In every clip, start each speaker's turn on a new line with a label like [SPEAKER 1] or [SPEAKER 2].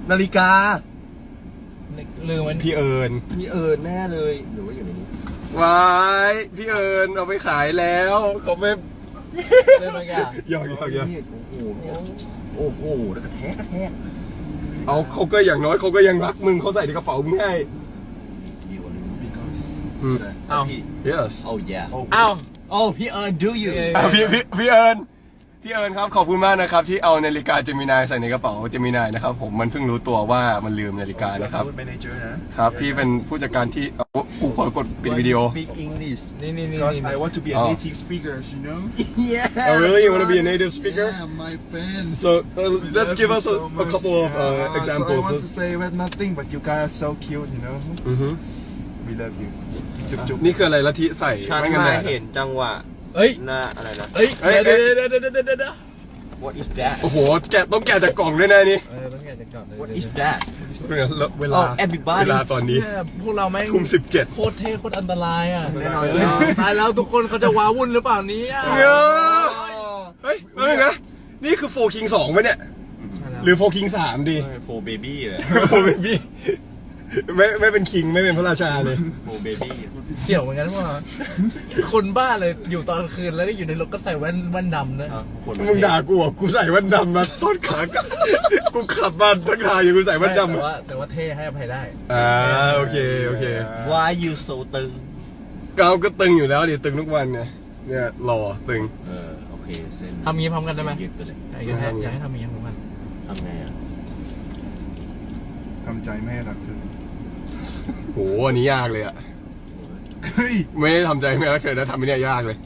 [SPEAKER 1] นาฬิกา
[SPEAKER 2] ลืมมัน
[SPEAKER 3] พี่เอิญ
[SPEAKER 1] มีแน่เลยหรือว่าอยู่ในนี้
[SPEAKER 3] วายพี่เอิญเอาไปขายแล้วเขาไม่
[SPEAKER 2] ลืมมันแก
[SPEAKER 3] ยอก
[SPEAKER 1] โอ้โหเนี่ยโอ้โหแล้วกระแทก
[SPEAKER 3] เอาเขาก็อย่างน้อยเขาก็ยังรักมึงเขาใส่ในกระเป๋ามึงให้
[SPEAKER 1] you because
[SPEAKER 2] เอา
[SPEAKER 3] yes
[SPEAKER 1] oh yeah
[SPEAKER 2] เอา
[SPEAKER 1] oh พี่เอิญ do you
[SPEAKER 3] พี่เอิญครับขอบคุณมากนะครับที่เอานาฬิกาเจมินายใส่ในกระเป๋าเจมินายนะครับผมมันเพิ่งรู้ตัวว่ามันลืมนาฬิกานะครับ
[SPEAKER 1] เป็น manager นะครับ
[SPEAKER 3] พี่เป็นผู้จัดการที่กูขอกดปิดวิดีโอ
[SPEAKER 1] speak English
[SPEAKER 2] นี่
[SPEAKER 4] Because I want to be a
[SPEAKER 3] Oh.
[SPEAKER 4] native speaker, you know?
[SPEAKER 1] yeah
[SPEAKER 3] Oh really you want to be a native speaker
[SPEAKER 4] Yeah, my fans.
[SPEAKER 3] so let's give us
[SPEAKER 4] so
[SPEAKER 3] a
[SPEAKER 4] much.
[SPEAKER 3] couple of
[SPEAKER 4] Yeah,
[SPEAKER 3] examples
[SPEAKER 4] So I want to say well, nothing, but you guys are so cute, you know?
[SPEAKER 3] อือฮึ
[SPEAKER 4] We love you. จุ๊บ
[SPEAKER 3] นี่คืออะไรละทิใส่
[SPEAKER 1] ฉัน
[SPEAKER 3] ไม่กัน
[SPEAKER 1] มา
[SPEAKER 3] แดด
[SPEAKER 1] เห็นจังหวะ
[SPEAKER 2] เอ้ย
[SPEAKER 1] หน้าอะไรนะ
[SPEAKER 2] เอ้ย
[SPEAKER 3] เอ้ย
[SPEAKER 2] เดี๋ยว
[SPEAKER 1] What is that
[SPEAKER 3] โอ้โหต้องแกะจากกล่องด้วยนะนี่
[SPEAKER 2] ต้องแกะจากก่อนเลย
[SPEAKER 1] What is that
[SPEAKER 3] เวลา
[SPEAKER 1] Oh, everybody
[SPEAKER 3] เวลาตอนนี้
[SPEAKER 2] เนี่ยพวกเราแม่ง
[SPEAKER 3] ทุ่ม17
[SPEAKER 2] โคตรเท่โคตรอันตรายอ่ะ
[SPEAKER 1] แน่นอน
[SPEAKER 2] ตายแล้วทุกคนเขาจะว้าวุ่นหรือเปล่านี้อ่ะ
[SPEAKER 3] เฮ้ยเฮ้ยนะนี่คือโฟคิง2ไหมเนี่ยหรือโฟคิง3ดี
[SPEAKER 1] โฟเบบี้เลย
[SPEAKER 3] โฟเบบี้ไม่เป็นคิงไม่เป็นพระราชาเลย
[SPEAKER 1] โฟเบบี้
[SPEAKER 2] เสี่ยวเหมือนกันว่าคนบ้าเลยอยู่ตอนกลางคืนแล้วก็อยู่ในรถก็ใส่แว่นดำนะ
[SPEAKER 3] มึงด่ากูอ่ะกูใส่แว่นดำมาต้นขากูขับมาทั้งทางอยู่กูใส่แว่นดำ
[SPEAKER 2] แต่ว่าเท่ให้อภัยได้
[SPEAKER 3] โอเค
[SPEAKER 1] Why you so ตึง
[SPEAKER 3] ก้าวก็ตึงอยู่แล้วดิตึงทุกวันเนี่ยหล่อตึง
[SPEAKER 1] โอเคเส้น
[SPEAKER 2] ทำงี้พร้อมกันได้ไหม
[SPEAKER 1] ยืดไปเลย
[SPEAKER 2] อยากให้ทำงี้พร้อมกัน
[SPEAKER 1] ทำไงอ่ะ
[SPEAKER 4] ทำใจไม่ให้รักเธอ
[SPEAKER 3] โหอันนี้ยากเลยอ่ะ
[SPEAKER 4] เฮ้ย
[SPEAKER 3] ไม่ได้ทำใจไม่รักเธอนะทำไม่ได้ยากเลย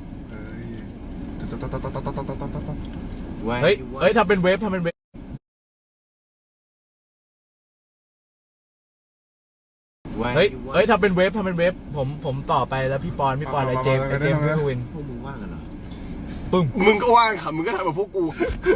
[SPEAKER 2] เฮ้ยทำเป็นเวฟเฮ้ยทำเป็นเวฟผมต่อไปแล้วพี่ปอนอะไรเจมส์พี่ทวิน
[SPEAKER 1] พวกมึงว่างกันเหรอ
[SPEAKER 3] มึงก็ว่างค่ะมึงก็ทำแบบพวกกู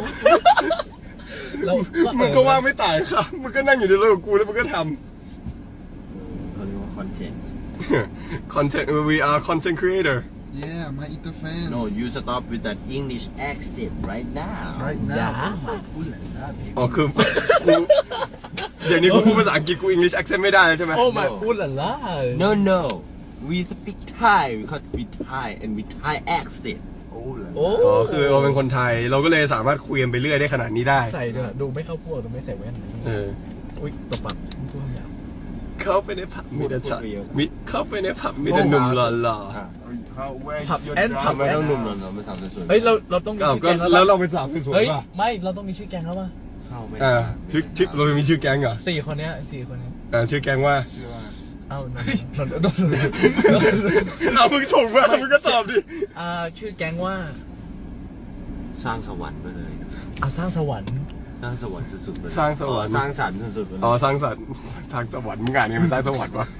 [SPEAKER 2] แล้ว
[SPEAKER 3] มึงก็ว่างไม่ต่างค่ะมึงก็นั่งอยู่ในรถกับกูแล้วมึงก็ท
[SPEAKER 1] เขาเรียกว่าคอนเทนต์
[SPEAKER 3] ำ content we are content creator
[SPEAKER 4] Yeah my inter fans
[SPEAKER 1] No you stop with that English accent right now
[SPEAKER 4] right
[SPEAKER 2] อย่า
[SPEAKER 4] now พูดแหละนะ
[SPEAKER 3] อ๋อคือกูเดี๋ยวนี้กูพูดภาษาอังกฤษกู English accent ไม่ได้แล้วใช่ไหม
[SPEAKER 2] โอ้ my พูดหล่ะ
[SPEAKER 1] No we speak Thai because we Thai and we Thai accent
[SPEAKER 4] โอ้แหละ
[SPEAKER 2] โอ้
[SPEAKER 3] อ๋อคือเราเป็นคนไทยเราก็เลยสามารถคุยกันไปเรื่อยได้ขนาดนี้ได้
[SPEAKER 2] ใส่ด้วยดูไม่เข้าพวกดูไม่ใส่แว่น อุ้ยตบปากพูดคำหยาบ
[SPEAKER 3] เข้าไปในผับมีแต่ชายเข้าไปในผับมีแต่หนุ่มหล่อ
[SPEAKER 4] How where
[SPEAKER 2] ผับ
[SPEAKER 4] is your
[SPEAKER 2] แอนผับ
[SPEAKER 1] ทำไมต้องหนุ่มเนาะไม่สาวสวย
[SPEAKER 2] เฮ้ยเราต้อง
[SPEAKER 3] ๆ
[SPEAKER 2] มี
[SPEAKER 3] อ้าว
[SPEAKER 2] ชื่อ
[SPEAKER 3] ก็
[SPEAKER 2] แก๊ง
[SPEAKER 3] แล้ว
[SPEAKER 2] แล้ว
[SPEAKER 3] เราเป็นสาวสวย
[SPEAKER 2] เฮ้ย
[SPEAKER 3] ๆป่ะ
[SPEAKER 2] ไม่เราต้องมีชื่อแก๊งแล้วป่ะ
[SPEAKER 1] เข้าไม่
[SPEAKER 3] ชื่อเรามีชื่อแก๊งเหรอ
[SPEAKER 2] 4 คนเนี้ย
[SPEAKER 3] ชื่อแก๊งว่า
[SPEAKER 2] เอ้านน
[SPEAKER 3] เอามึงส่งมามึงก็ตอบดิ
[SPEAKER 2] ชื่อแก๊งว่า
[SPEAKER 1] สร้างสวรรค์ไปเลย
[SPEAKER 2] สร้างสวรรค์
[SPEAKER 1] สร้างสวรรค์สุดๆไปเลย
[SPEAKER 3] สร้างสวรรค์
[SPEAKER 1] สร้างสรรค์สุดๆไปเลย
[SPEAKER 3] อ๋อสร้างสรรค์สร้างสวรรค์มึงอ่านไงมันสร้างสวรรค์วะ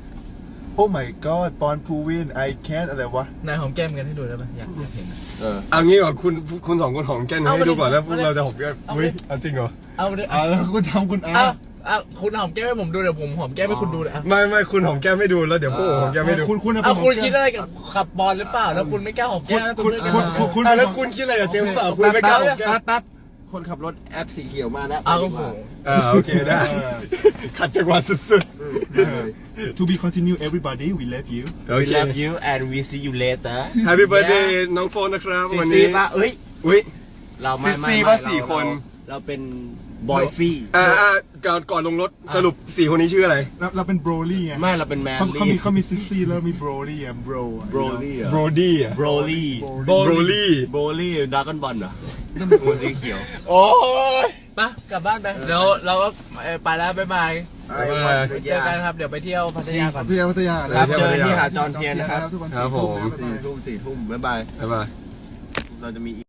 [SPEAKER 4] Oh my god ปอนพูวิน I can't อะไรวะ
[SPEAKER 2] นายหอมแก้มกันให้ดูได้ป่ะอยากเห็น
[SPEAKER 3] เอางี้ก่อนคุณสองคนหอมแก้มให้ดูก่อนแล้วพวกเราจะหอมแก้ม
[SPEAKER 2] เอา
[SPEAKER 3] เฮ้ย
[SPEAKER 2] ดิ
[SPEAKER 3] เอาจริงเหรอ
[SPEAKER 2] เอาเลย
[SPEAKER 4] แล้วคุณทำคุณอา
[SPEAKER 2] คุณหอมแก้มให้ผมดูเดี๋ยวผมหอมแก้มให้คุณดูเลย
[SPEAKER 3] ไม่คุณหอมแก้มให้ดูแล้วเดี๋ยวพวกผมหอมแก้มให้ดู
[SPEAKER 4] คุณ
[SPEAKER 2] คุณคิดอะไรกับขับบอลหรือเปล่าแล้วคุณไม่กล้าหอมแก้ม
[SPEAKER 4] คุณ
[SPEAKER 3] แล้วคุณคิดอะไรกับเจมส์เปล่าคุณไม่กล้าหอมแก้ม
[SPEAKER 1] แป๊บคนขับรถแอปสีเขียวมาแล้ว
[SPEAKER 2] เอา
[SPEAKER 1] ไป
[SPEAKER 2] โอ้
[SPEAKER 1] ดี
[SPEAKER 2] โห
[SPEAKER 1] กว่า
[SPEAKER 3] โอเคได้ขัดจังหวะสุด
[SPEAKER 4] To be continue everybody we love you
[SPEAKER 3] ๆโอ
[SPEAKER 1] We
[SPEAKER 3] เค
[SPEAKER 1] love you and we see you later
[SPEAKER 3] Happy birthday น้องโฟนนะครับวัน
[SPEAKER 1] ซี
[SPEAKER 3] นี้
[SPEAKER 1] ป่ะเอ้ย
[SPEAKER 3] อุ้ย
[SPEAKER 1] เราไม่
[SPEAKER 3] ซีป่ะสี่คน
[SPEAKER 1] เราเป็นบอยฟี่
[SPEAKER 3] ก่อนลงรถสรุป4 คนนี้ชื่ออะไร
[SPEAKER 4] เราเป็นโบรลี่ไง
[SPEAKER 1] ไม่เราเป็นแมน
[SPEAKER 4] เขามีซิสซี่แล้วมีโบรลี่อ่ะโบร
[SPEAKER 1] โบรลี่
[SPEAKER 3] โบรดี้อ่ะ
[SPEAKER 1] โบรลี่
[SPEAKER 3] โบรลี่
[SPEAKER 1] โบรลี่ดราก้อนบอลเหรอตัวสีเขียว
[SPEAKER 3] โอ้ย
[SPEAKER 2] ปะกลับบ้านไปเดี๋ยวเราก็ไปแล้วบ๊ายบาย
[SPEAKER 3] ไป
[SPEAKER 2] เจอกันครับเดี๋ยวไปเที่ยวพัทยาก่อน
[SPEAKER 4] พัทยา
[SPEAKER 1] ครับเจอที่หาดจอห์นเทียนนะครับ
[SPEAKER 4] ทุกวัน
[SPEAKER 3] ครับผม
[SPEAKER 4] 4 ทุ่ม
[SPEAKER 1] 4 ทุ่มบ๊ายบาย
[SPEAKER 3] บ๊ายบาย
[SPEAKER 1] เราจะมี